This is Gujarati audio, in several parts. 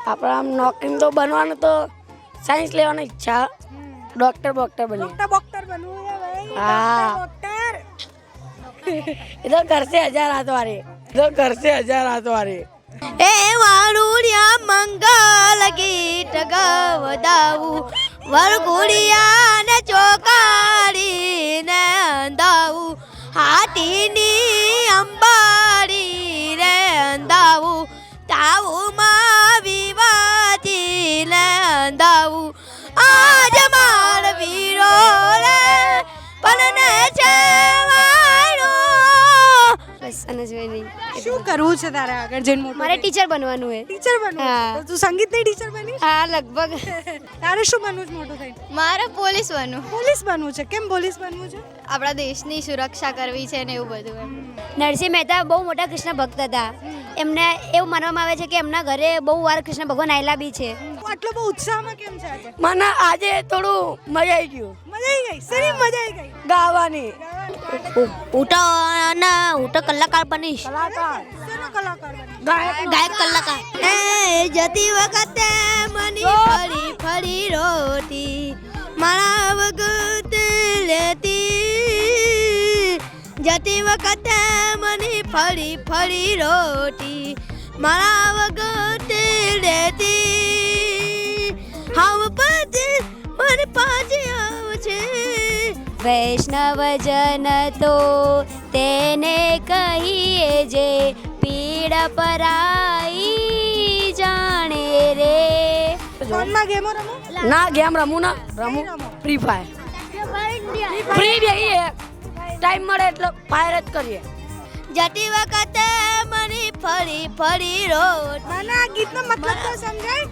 આપણે આમ નોકરી તો બનવાનું તો સાયન્સ લેવાની ઈચ્છા ડોક્ટર બની ડોક્ટર બનવું છે ભાઈ હા ડોક્ટર એ તો કરશે 1000 હાથ વાળી એ વાળુડિયા મંગલ ગીત ગવડાવું વરઘોડિયા ને ચોકાડી ને અંધાવું હાથીની અંબાડી રે અંધાવું તાવુમાં વિવાદી ને અંધાવું આજ માર વીરો રે પલને છે વાળો બસ અને જોઈ નહીં શું કરવું છે તારે આગળ જઈને મોટું મારે ટીચર બનવાનું છે ટીચર બનવું હા. તો તું સંગીતની ટીચર બની હા લગભગ તારે શું બનવું છે મોટું થઈને મારે પોલીસ બનવું પોલીસ બનવું છે કેમ પોલીસ બનવું છે આપણા દેશની સુરક્ષા કરવી છે ને એવું બધું એમ નરસિંહ મહેતા બહુ મોટા કૃષ્ણ ભક્ત હતા એમને એવું માનવામાં આવે છે કે એમના ઘરે બહુ વાર કૃષ્ણ ભગવાન આવેલા બી છે તું આટલો બહુ ઉત્સાહમાં કેમ છે આજે મને આજે થોડું મજા આવી ગયું મજા આવી ગઈ શેની મજા આવી ગઈ ગાવાની હું તો કલાકાર બનીશ કલાકાર શેનો કલાકાર બની ગાયક કલાકાર એ જતી વખતે મની ફરી ફરી રોતી મારા વખતે લેતી જતી વખતે મની ફરી ફરી રોતી મારા વખતે લેતી હમ પછી મને પાછી આવશે વૈષ્ણવજન તો તેને કહીએ જે પીડ પરાઈ જાણે રે ફોનમાં ગેમો રમો ના ગેમ રમું ફ્રી ફાયર ફ્રી બેહીએ ટાઈમ મળે એટલે ફાયર જ કરીએ જતી વખતે મને ફરી ફરી રોટ મને આ ગીતનો મતલબ તો સમજાય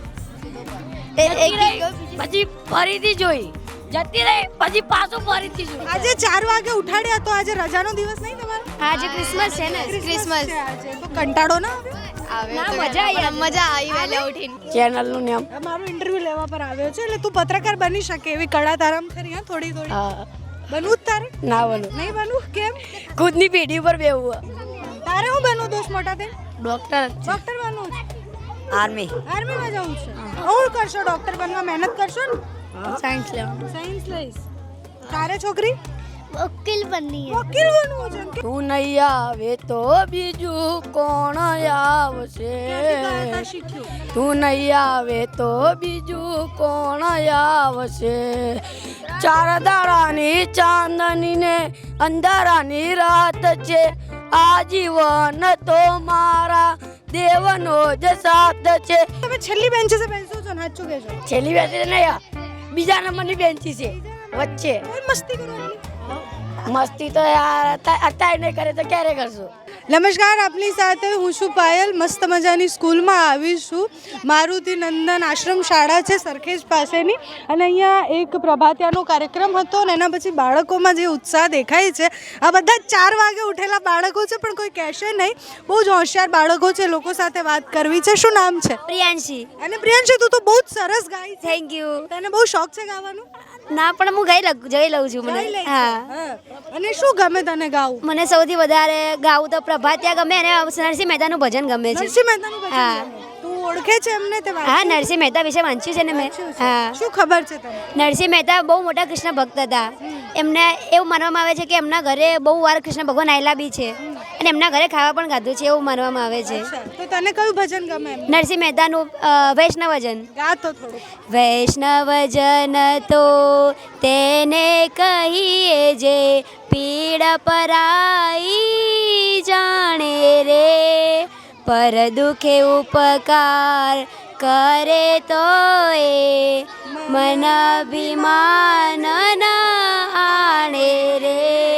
પછી ફરીથી જોઈ જતી રહી પછી પાછું ફરીથી જોઈ આજે 4 વાગે ઉઠાડ્યા તો આજે રજાનો દિવસ નહીં તમારો આજે ક્રિસમસ છે ને ક્રિસમસ છે આજે તો કંટાળો ના આવ્યો મજા આવી વહેલા ઉઠીને ચેનલનું નામ મારું ઇન્ટરવ્યુ લેવા પર આવ્યો છે એટલે તું પત્રકાર બની શકે એવી કળા તારામ ખરી હા થોડી થોડી હા બનવું જ તારે ના બનું નહીં બનવું કેમ ખુદની પેઢી ઉપર બેવું તારે હું બનવું દોસ્ત મોટા થઈને ડોક્ટર ડોક્ટર બનવું છે આર્મી આર્મીમાં જવું છે હું કરશો ડોક્ટર બનવા મહેનત કરશો ને સાયન્સ લેવાનું સાયન્સ લઈશ તારે છોકરી વકીલ બની વકીલ બનવું છે કે તું નહીં આવે તો બીજું કોણ આવશે ગાતા શીખ્યું તું નહીં આવે તો બીજું કોણ આવશે ચાર દાડાની ચાંદની ને અંધારાની રાત છે આજીવન તો મારા દેવનો જ સાથ છે તમે છેલ્લી બેન્ચે સે બેસો છો ને સાચું કહેજો છેલ્લી બેસી નહીં બીજા નંબરની બેન્ચી છે વચ્ચે કોઈ મસ્તી કરો એટલી મસ્તી તો યાર અત્યારે નહીં કરે તો ક્યારે કરશું નમસ્કાર આપની સાથે હું છું પાયલ મસ્ત મજાની સ્કૂલમાં આવી છું મારુતિ નંદન આશ્રમ શાળા છે સરખેજ પાસેની અને અહીંયા એક પ્રભાતિયાનો કાર્યક્રમ હતો અને એના પછી બાળકોમાં જે ઉત્સાહ દેખાય છે આ બધા 4 વાગે ઉઠેલા બાળકો છે પણ કોઈ કહેશે નહીં બહુ જ હોશિયાર બાળકો છે લોકો સાથે વાત કરવી છે શું નામ છે પ્રિયાંશી અને પ્રિયાંશી તું તો બહુ જ સરસ ગાય છે થેન્ક યુ તને બહુ શોખ છે ગાવાનો ના પણ હું જઈ લઉં છું મને ગાઈ લે છે. હા હા. અને શું ગમે તને ગાવું મને સૌથી વધારે ગાવું તો પ્રભાતિયા ગમે અને નરસિંહ મહેતાનું ભજન ગમે છે નરસિંહ મહેતાનું ભજન હા. ગમે. તું ઓળખે છે એમને તે વાત હા નરસિંહ મહેતા વિશે વાંચ્યું છે ને મેં હા શું ખબર છે તને નરસિંહ મહેતા બહુ મોટા કૃષ્ણ ભક્ત હતા એમને એવું માનવામાં આવે છે કે એમના ઘરે બહુ વાર કૃષ્ણ ભગવાન આવેલા બી છે અને એમના ઘરે ખાવા પણ ખાધું છે એવું માનવામાં આવે છે તો તને કયું ભજન ગમે એમ નરસિંહ મહેતાનું વૈષ્ણવજન ગા તો થોડું વૈષ્ણવજન તો તેને કહીએ જે પીડ પરાઈ જાણે રે પર દુખે ઉપકાર કરે તો એ મન અભિમાન આણે રે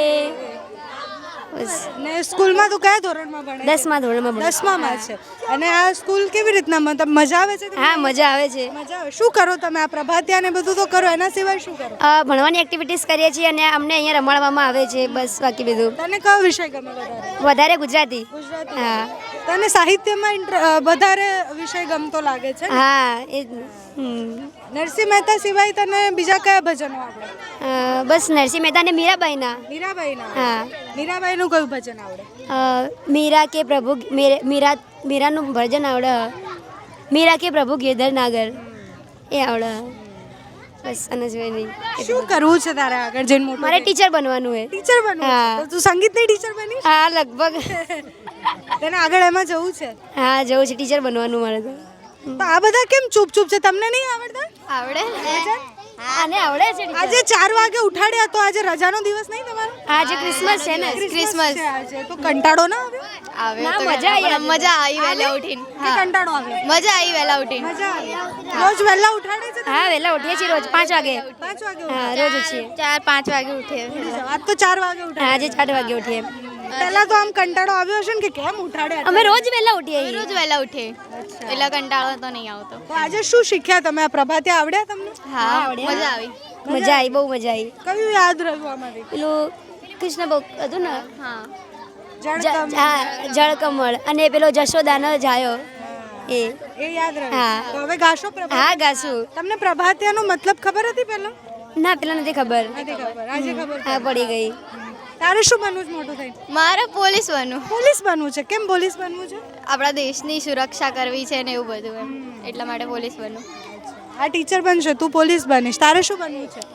બસ ને સ્કૂલમાં તું કયા ધોરણમાં ભણે 10મા ધોરણમાં ભણું. 10માં છે અને આ સ્કૂલ કેવી રીતના મતલબ મજા આવે છે હા મજા આવે છે મજા આવે શું કરો તમે આ પ્રભાતિયા ને બધું તો કરો એના સિવાય શું કરો ભણવાની એક્ટિવિટીઝ કરીએ છીએ અને અમને અહીંયા રમાડવામાં આવે છે બસ બાકી બધું તને કયો વિષય ગમે વધારે ગુજરાતી ગુજરાતી હા તને સાહિત્યમાં વધારે વિષય ગમતો લાગે છે હા એ નરસિંહ મહેતા સિવાય તને બીજા કયા ભજનો આવડે બસ નરસિંહ મહેતા અને મીરાબાઈના મીરાબાઈના હા મીરાબાઈનું કયું ભજન આવડે મીરા કે પ્રભુ મીરાનું ભજન આવડે મીરા કે પ્રભુ ગેધર નાગર એ આવડે બસ અને જોઈએ નહીં શું કરવું છે તારે આગળ જઈને મોટું મારે ટીચર બનવાનું છે ટીચર બનવું હા. છે? તો તું સંગીતની ટીચર બની હા લગભગ તને આગળ એમાં જવું છે હા જવું છે ટીચર બનવાનું મારે તો તો આ બધા કેમ ચૂપ છે તમને નહીં આવડતા આવડે આને આવડે છે આજે 4 વાગે ઉઠાડ્યા તો આજે રજાનો દિવસ નહીં તમારો આજે ક્રિસમસ છે ને ક્રિસમસ છે આજે તો કંટાળો ના આવ્યો ના મજા આવી મજા આવી વહેલા ઉઠીને કે કંટાળો આવ્યો મજા આવી વહેલા ઉઠીને મજા આવી રોજ વહેલા ઉઠાડે છે હા વહેલા ઉઠીએ છીએ રોજ 5 વાગે 5 વાગે હા રોજ ઉઠીએ 4-5 વાગે ઉઠીએ ઉઠી જાઓ. આજ તો 4 વાગે ઉઠાડે આજે 4 વાગે ઉઠીએ પહેલા તો આમ કંટાળો આવ્યો હશે ને કે કેમ ઉઠાડ્યા અમે રોજ વહેલા ઉઠીએ રોજ વહેલા ઉઠીએ એટલે કંટાળો તો નહીં આવતો તો આજે શું શીખ્યા તમે આ પ્રભાતે આવડ્યા તમને હા મજા આવી મજા આવી બહુ મજા આવી કયું યાદ રહ્યું આમાંથી પેલું કૃષ્ણ ભોગ હતું ને હા જળકમ હા જળકમળ અને પેલો જશોદાનો જાયો એ એ યાદ રહ્યું હા. તો હવે ગાશો પ્રભાત હા ગાશું તમને પ્રભાતિયાનો મતલબ ખબર હતી પહેલા ના પેલા નથી ખબર નથી ખબર આજે ખબર હા પડી ગઈ તારે શું બનવું છે મોટું થઈને મારે પોલીસ બનવું પોલીસ બનવું છે કેમ પોલીસ બનવું છે આપણા દેશની સુરક્ષા કરવી છે ને એવું બધું એમ એટલા માટે પોલીસ બનવું આ ટીચર બનશે તું પોલીસ બનીશ તારે શું બનવું છે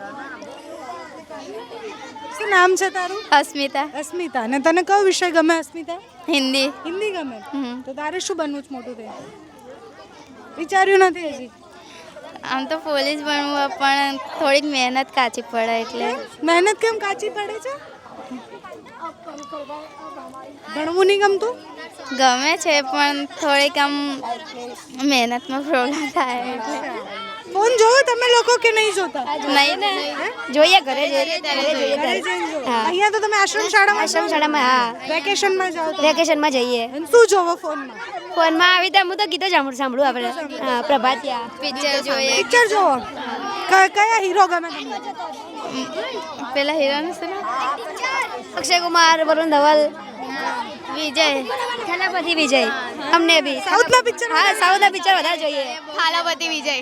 શું નામ છે તારું અસ્મિતા અસ્મિતા અને તને કયો વિષય ગમે અસ્મિતા હિન્દી હિન્દી ગમે હમ. તો તારે શું બનવું છે મોટું થઈને વિચાર્યું નથી હજી આમ તો પોલીસ બનવું પણ થોડીક મહેનત કાચી પડે એટલે મહેનત કેમ કાચી પડે છે ભણવું નહીં ગમતું ગમે છે પણ થોડીક આમ મહેનતમાં પ્રોબ્લેમ થાય એટલે ફોન જોવો તમે લોકો કે નહીં જોતા નહીં ને જોઈએ ઘરે જોઈએ ત્યારે જોઈએ ઘરે ઘરે. જઈને જોવો. હા. અહીંયા તો તમે આશ્રમ શાળામાં આશ્રમ શાળામાં હા વેકેશનમાં જાઓ તો વેકેશનમાં જઈએ અને શું જોવો ફોનમાં ફોનમાં આવી રીતે હું તો ગીતો સાંભળું આપણે હા પ્રભાતિયા પિક્ચર જોઈએ પિક્ચર જોવો કયા હીરો ગમે તમને પેલા હીરોનું શું નામ? અક્ષય કુમાર વરુણ ધવલ વિજય સેનાપતિ વિજય અમને બી સાઉથના પિક્ચર હા સાઉથના પિક્ચર વધારે જોઈએ થાલાપતિ વિજય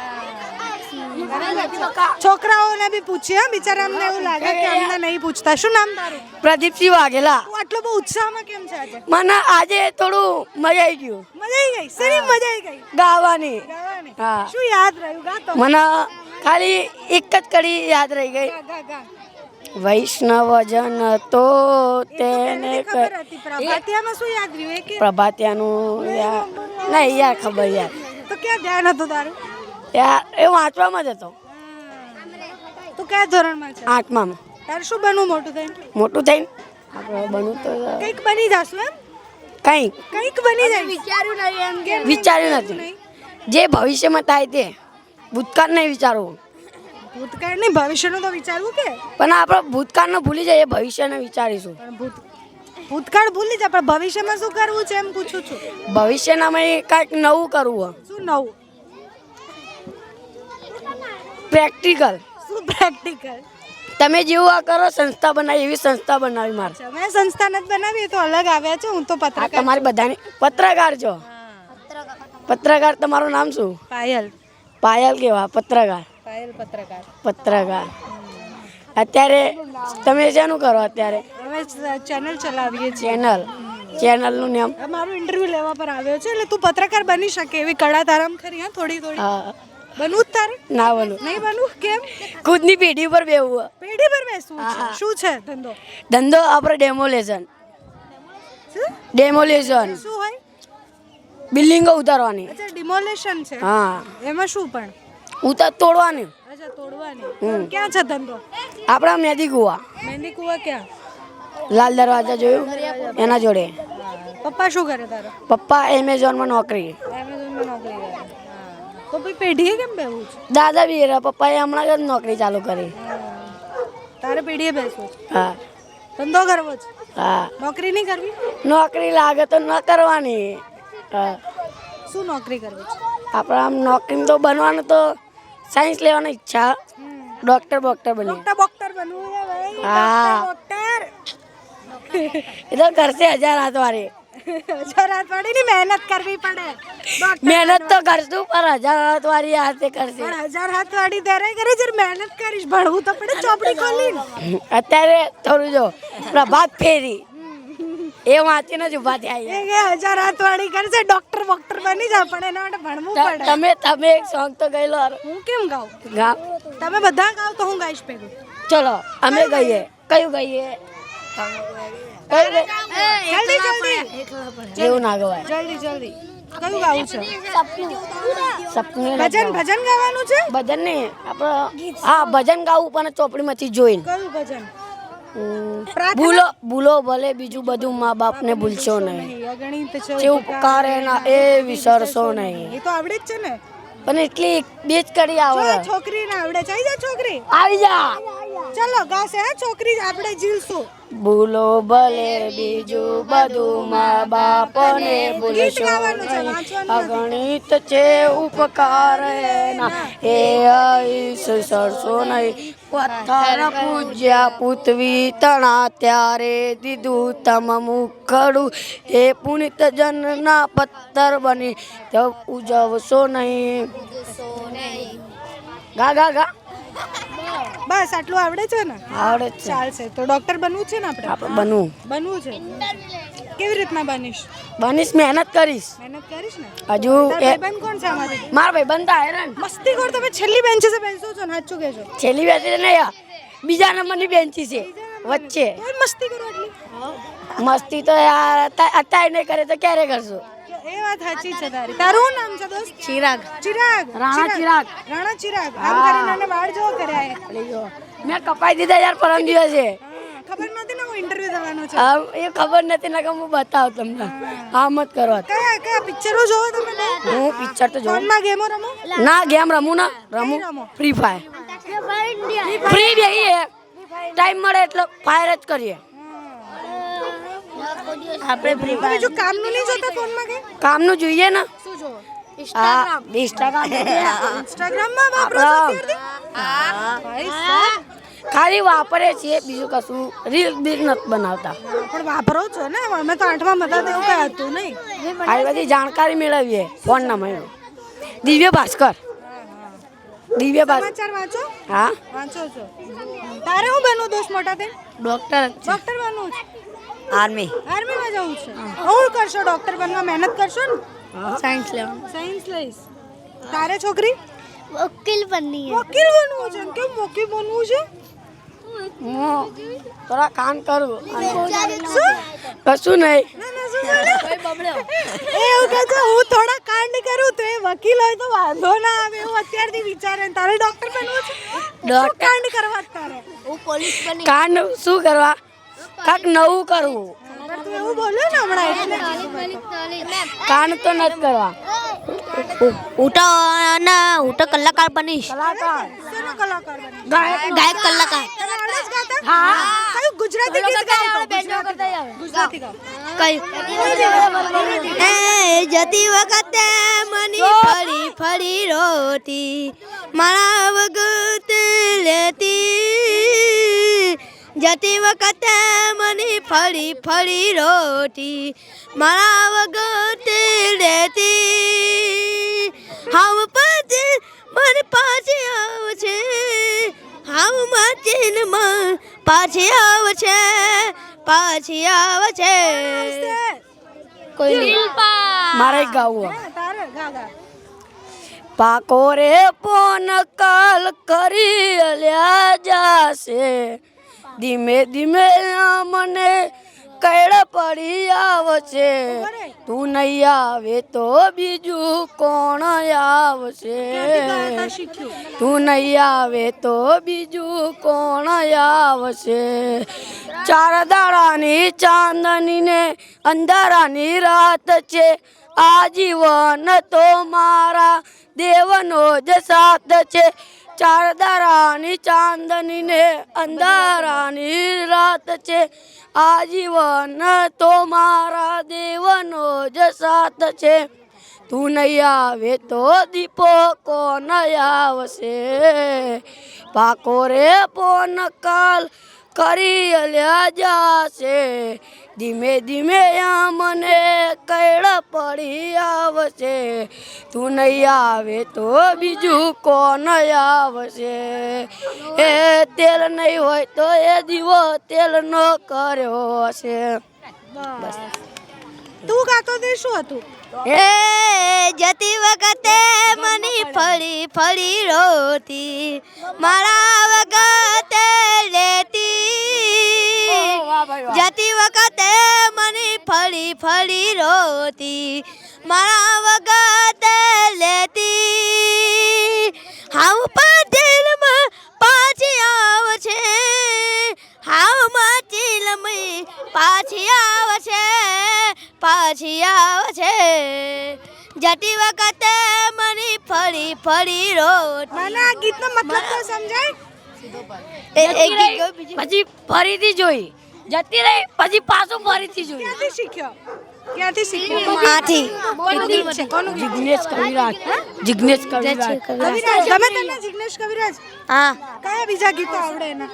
છોકરાઓને બી પૂછીએ હા, બિચારા અમને એવું લાગે કે અમને નહીં પૂછતા શું નામ તારું પ્રદીપસિંહ વાઘેલા તું આટલો બહુ ઉત્સાહમાં કેમ છે આજે મને આજે થોડું મજા આવી ગયું મજા આવી ગઈ શેની મજા આવી ગઈ ગાવાની ગાવાની હા. શું યાદ રહ્યું ગા તો મને ખાલી એક જ કડી યાદ રહી ગઈ ગા, ગા, ગા. વૈષ્ણવજન તો તેને ખબર હતી પ્રભાતિયામાં શું યાદ રહ્યું એ કે પ્રભાતિયાનું યાર નહીં યાર ખબર યાર તો ક્યાં ધ્યાન હતું તારું યાર એ વાંચવામાં જ હતો તું કયા ધોરણમાં છે 8માં તારે શું બનવું મોટું થઈને મોટું થઈને આપણે બનવું તો કંઈક બની જાશું એમ કંઈક કંઈક બની જાય વિચાર્યું નહીં એમ કે વિચાર્યું નથી જે ભવિષ્યમાં થાય તે ભૂતકાળ નહીં વિચારવું ભૂતકાળ નહીં ભવિષ્યનું તો વિચારવું કે પણ આપણે ભૂતકાળને ભૂલી જઈએ ભવિષ્યને વિચારીશું પણ ભૂતકાળ ભૂલી જા પણ ભવિષ્યમાં શું કરવું છે એમ પૂછું છું ભવિષ્યનામાં કંઈક નવું કરવું શું નવું પ્રેક્ટિકલ શું પ્રેક્ટિકલ તમે જેવું આ કરો સંસ્થા બનાવી એવી સંસ્થા બનાવી મારે મેં સંસ્થા નથી બનાવી એ તો અલગ આવ્યા છે હું તો આ પત્રકાર તમારી બધાની પત્રકાર છો પત્રકાર તમારું નામ શું પાયલ પાયલ કેવા પત્રકાર પાયલ પત્રકાર પત્રકાર અત્યારે તમે શેનું કરો અત્યારે હવે ચેનલ ચલાવીએ છીએ ચેનલનું નામ મારું ઇન્ટરવ્યુ લેવા પર આવ્યો છે એટલે તું પત્રકાર બની શકે એવી કળા તારામ ખરી હા થોડી થોડી હા બનવું જ તારે ના બનું નહીં બનવું કેમ ખુદની પેઢી પર બેવું પેઢી પર બેસવું છે હા. શું છે ધંધો ધંધો આપણે ડેમોલેશન શું ડેમોલેશન શું હોય બિલ્ડિંગો ઉતારવાની અચ્છા ડિમોલેશન છે હા એમાં શું પણ તોડવાની અચ્છા તોડવાની ક્યાં છે ધંધો આપણા મેદી કુવા મહેંદી કુવા ક્યાં લાલ દરવાજા જોયું એના જોડે પપ્પા શું કરે તારા પપ્પા એમેઝોનમાં નોકરી એમેઝોનમાં નોકરી કરે તો ભાઈ પેઢીએ કેમ બેવું છે દાદા બી રહ્યા પપ્પાએ હમણાં જ નોકરી ચાલુ કરી તારે પેઢીએ બેસવું છે હા ધંધો કરવો છે હા નોકરી નહીં કરવી નોકરી લાગે તો ન કરવાની હા શું નોકરી કરવી છે આપણે આમ નોકરી તો બનવાનું તો સાયન્સ લેવાની ઈચ્છા ડોક્ટર બની ડોક્ટર બનવું છે ભાઈ હા. ડોક્ટર એ તો કરશે 1000 હાથ વાળી રાત વાળી મહેનત કરવી પડે ડોક્ટર મહેનત તો કરશું પણ 1000 હાથ વાળી હાથે કરશે પણ 1000 હાથ વાળી ત્યારે કરે જર મહેનત કરીશ ભણવું તો પડે ચોપડી ખોલીને અત્યારે થોડું જો પ્રભાત ફેરી એ વાંચીને જ ઊભા થયા એ કે 1000 હાથવાળી કરશે ડોક્ટર બની જા પણ એના માટે ભણવું પડે. તમે એક સોંગ તો ગયેલો હું કેમ ગાઉં? ગાવ તમે બધા ગાવ તો હું ગાઈશ ભેગું. ચલો અમે ગઈએ. કયું ગઈએ? જલ્દી જલ્દી એવું ના ગવાય. જલ્દી કયું ગાવું છે? સપનું ભજન ગાવાનું છે? ભજન નહીં આપણે હા ભજન ગાવું પણ ચોપડીમાંથી જોઈને. કયું ભજન? ભૂલો ભલે બીજું બધું મા બાપને ભૂલશો નહીં, અગણિત છે જે ઉપકાર એના એ વિસરશો નહીં. એ તો આવડે જ છે ને. પણ એટલી બે જ કરી આવડે. છોકરીને આવડે છે. આવી જા છોકરી, આવી જા. ચલો ગાશે હા છોકરી, આપણે જીલશું. ભૂલો ભલે બીજું બધું મા બાપને ભૂલશો નહીં, અગણિત છે ઉપકાર એના એ વિસરશો નહીં. પથ્થર પૂજ્યા પૃથ્વી તણા ત્યારે દીધું તમ મુખડું, એ પુનિત જનના પથ્થર બની તો ઉજવશો નહીં. ગા ગા ગા. બસ આટલું આવડે છે ને? આવડે જ છે. ચાલશે. તો ડોક્ટર બનવું છે ને આપણે? આપણે બનવું છે. કેવી રીતના બનીશ? મહેનત કરીશ. મહેનત કરીશ ને? હજુ ભાઈબંધ કોણ છે અમારી? મારા ભાઈ બનતા હેરાન મસ્તી કર. તમે છેલ્લી બેન્ચે બેસો છો ને? સાચું કહેજો. છેલ્લી બેસી નહીં, બીજા નંબરની બેન્ચી છે વચ્ચે. કોઈ મસ્તી કરો એટલી? મસ્તી તો યાર અત્યારે નહીં કરે તો ક્યારે કરશું? એ વાત સાચી છે તારી. તારું શું નામ છે દોસ્ત? ચિરાગ. રાણા ચિરાગ. આમ કરીને આને વાળ જો કર્યા. મેં કપાઈ દીધા યાર પરમ દિવસે. ખબર નથી ને હું ઇન્ટરવ્યુ દેવાનો છે. એ ખબર નથી ને કે હું બતાવ તમને. આમ જ કરો. કયા પિક્ચરો જોવો તમે? હું પિક્ચર તો જોઉં. ફોનમાં ગેમો રમો? ના ગેમ રમું ફ્રી ફાયર. ફ્રી બેહીએ ટાઈમ મળે એટલે ફાયર જ કરીએ. આપણે ફ્રી ફાયર બીજું કામનું નહીં જોતા ફોનમાં કે? કામનું જોઈએ ને. શું જોવો? હા ઇન્સ્ટાગ્રામમાં વાપરો છો અત્યારથી? ભાઈ સાહેબ. ખાલી વાપરે છીએ, બીજું કશું રીલ બીલ નથી બનાવતા. પણ વાપરો છો ને? અમે તો 8માં હતા તો એવું કઈ હતું નહીં. આવી બધી જાણકારી મેળવીએ ફોનના મહિનો. દિવ્ય ભાસ્કર. સમાચાર વાંચો? હા વાંચો છો. તારે હું બનવું દોસ્ત મોટા થઈને? ડોક્ટર બનવું છે. આર્મીમાં જવું છે. હું કરશો ડોક્ટર બનવા? મહેનત કરશો ને? સાયન્સ લઈશ. તારે છોકરી? વકીલ બનની વકીલ બનવું છે. કેમ વકીલ બનવું છે? હું થોડા કામ કરું. કશું નહીં. એવું કે છે હું થોડા કાંડ કરું તો એ વકીલ હોય તો વાંધો ના આવે એવું અત્યારથી વિચારે. તારે ડોક્ટર બનવું છે? શું કાંડ કરવા તારે? હું પોલીસ બની કાંડ શું કરવા? કાંક નવું કરવું. તું એવું બોલ્યો ને હમણાં એટલે કાંડ તો નથી કરવા. હું તો કલાકાર બનીશ. કલાકાર. શેનો કલાકાર બની? ગાયક કલાકાર. તને આવડે છે ગાતા? હા. કયું ગુજરાતી ગીત ગાઓ? ગુજરાતી ગાઓ. જતી વખતે મની ફરી ફરી રોટી મારા વગત લેતી, જતી વખતે મની ફરી ફરી રોટી મારા વગત લેતી, હાવ પછી મને પાછી આવશે, હાવ માચીનમાં પાછી આવશે, પાછી આવશે. કોઈ મારે ગાવું. તારે ગા ગા. પાકો રે પોન કાલ કરી અલ્યા જાશે, ધીમે ધીમે મને કઈડ પડી આવશે, તું નહીં આવે તો બીજું કોણ આવશે, તું નહીં આવે તો બીજું કોણ આવશે. ચાર દાડાની ચાંદની ને અંધારાની રાત છે, આજીવન તો મારા દેવનો જ સાથ છે. ચાર દાડાની ચાંદની ને અંધારાની રાત છે, આજીવન તો મારા દેવનો જ સાથ છે, તું નહીં આવે તો દીપો કોણ આવશે. પાકો રે પોન કાલ કરી અલ્યા જાશે, ધીમે ધીમે મને કઈડ પડી આવશે, તું નહીં આવે તો બીજું કોણ આવશે. એ તેલ નહીં હોય તો એ દીવો તેલનો કર્યો હશે. બસ તું ગાતો તે શું હતું એ જતી વખતે મની ફળી ફળી રોતી મારા વખતે લેતી જતી વખતે મની ફળી ફળી રોતી મારા વખતે લેતી હાવ પટેલમાં પાછી આવશે હાવ માચીલમાં પાછી આવશે પાછી આવશે જતી વખતે મની ફળી ફળી રોટ મને આ ગીતનો મતલબ તો સમજાય પછી ફરીથી જોઈ જતી રહી પછી પાછું ફરીથી જોઈ ક્યાંથી શીખ્યો આથી કોનું ગીત છે કોનું ગીત? જિગ્નેશ કવિરાજ જિગ્નેશ કવિરાજ કવિરાજ ગમે તને જિગ્નેશ કવિરાજ હા કયા બીજા ગીતો આવડે એના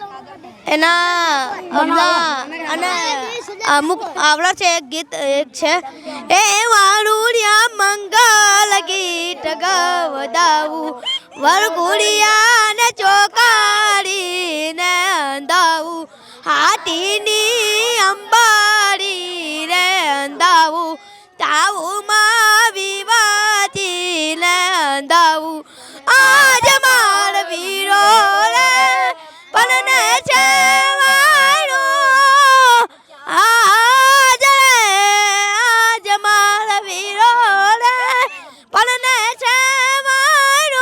એના અને અમુક આવડા છે એક ગીત એક છે એ વાળુડિયા મંગલ ગીત ગવડાવું વરઘોડિયા ને ચોકાડી ને અંદાવું હાથીની અંબાડી રે અંદાવું તાવુમાં વિવાદી ને અંદાવું આજ માર વીરો રે પલને છે વાળો આજ માર વીરો રે પલને છે વાળો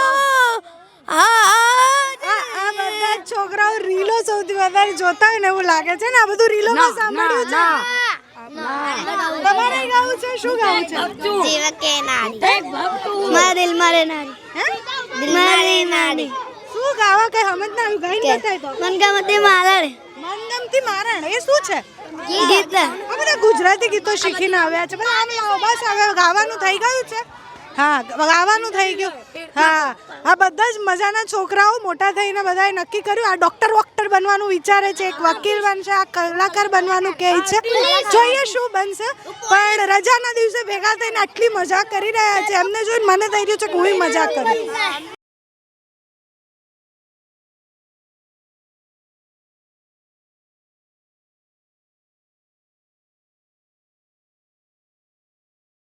આ બધા છોકરાઓ રીલો સૌથી વધારે જોતા હોય ને એવું લાગે છે ને આ બધું રીલોમાં સાંભળ્યું છે તમારે ગાવું છે શું ગાવું છે જીવ કે નારી મારા દિલ મારે નારી હે દિલ મારે નારી શું ગાવા કઈ સમજ ના આવ્યું ગાઈને બતાય તો મનગમતી માલણ મનગમતી મારણ એ શું છે ગીત આ બધા ગુજરાતી ગીતો શીખીને આવ્યા છે બધા આમ લાવો બસ હવે ગાવાનું થઈ ગયું છે હા ગાવાનું થઈ ગયું હા આ બધા જ મજાના છોકરાઓ મોટા થઈને બધાએ નક્કી કર્યું આ ડોક્ટર વોક્ટર બનવાનું વિચારે છે એક વકીલ બનશે આ કલાકાર બનવાનું કહે છે જોઈએ શું બનશે પણ રજાના દિવસે ભેગા થઈને આટલી મજા કરી રહ્યા છે એમને જોઈને મને થઈ રહ્યું છે કે હું મજા કરું